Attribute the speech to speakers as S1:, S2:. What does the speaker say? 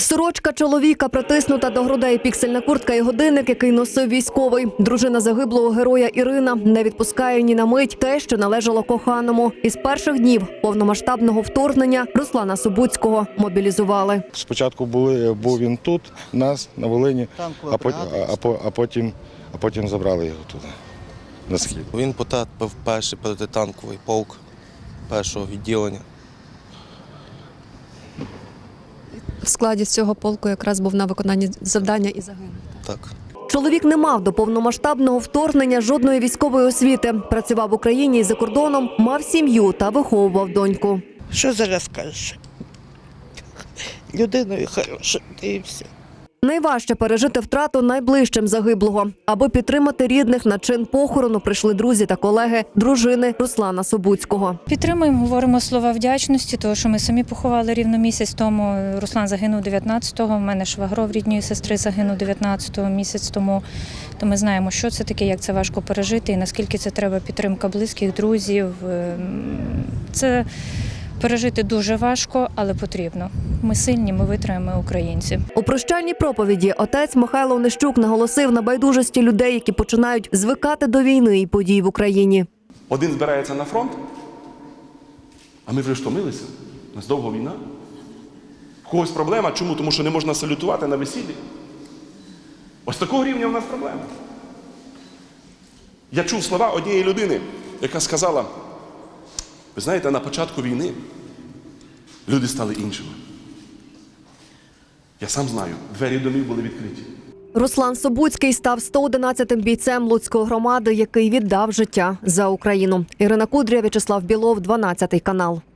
S1: Сорочка чоловіка притиснута до грудей, піксельна куртка і годинник, який носив військовий. Дружина загиблого героя Ірина не відпускає ні на мить те, що належало коханому. Із перших днів повномасштабного вторгнення Руслана Собуцького мобілізували.
S2: Спочатку був він тут, нас, на Волині, а потім забрали його туди, на схід.
S3: Він потрапив в перший протитанковий полк першого відділення.
S4: В складі цього полку якраз був на виконанні завдання і загинув.
S3: Так.
S1: Чоловік не мав до повномасштабного вторгнення жодної військової освіти. Працював в Україні і за кордоном, мав сім'ю та виховував доньку.
S5: Що зараз кажеш? Людиною хорошою, і все.
S1: Найважче пережити втрату найближчим загиблого. Аби підтримати рідних, на чин похорону прийшли друзі та колеги дружини Руслана Собуцького.
S6: Підтримуємо, говоримо слова вдячності, тому що ми самі поховали рівно місяць тому. Руслан загинув 19-го, в мене швагро в рідної сестри загинув 19-го, місяць тому. То ми знаємо, що це таке, як це важко пережити і наскільки це треба підтримка близьких, друзів. Це пережити дуже важко, але потрібно. Ми сильні, ми витримаємо, ми українці.
S1: У прощальній проповіді отець Михайло Онищук наголосив на байдужості людей, які починають звикати до війни і подій в Україні.
S7: Один збирається на фронт, а ми вже втомилися. У нас довго війна. У когось проблема. Чому? Тому що не можна салютувати на весіллі. Ось такого рівня в нас проблема. Я чув слова однієї людини, яка сказала: ви знаєте, на початку війни люди стали іншими. Я сам знаю, двері домів були відкриті.
S1: Руслан Собуцький став 111-м бійцем Луцької громади, який віддав життя за Україну. Ірина Кудря, В'ячеслав Білов, 12 канал.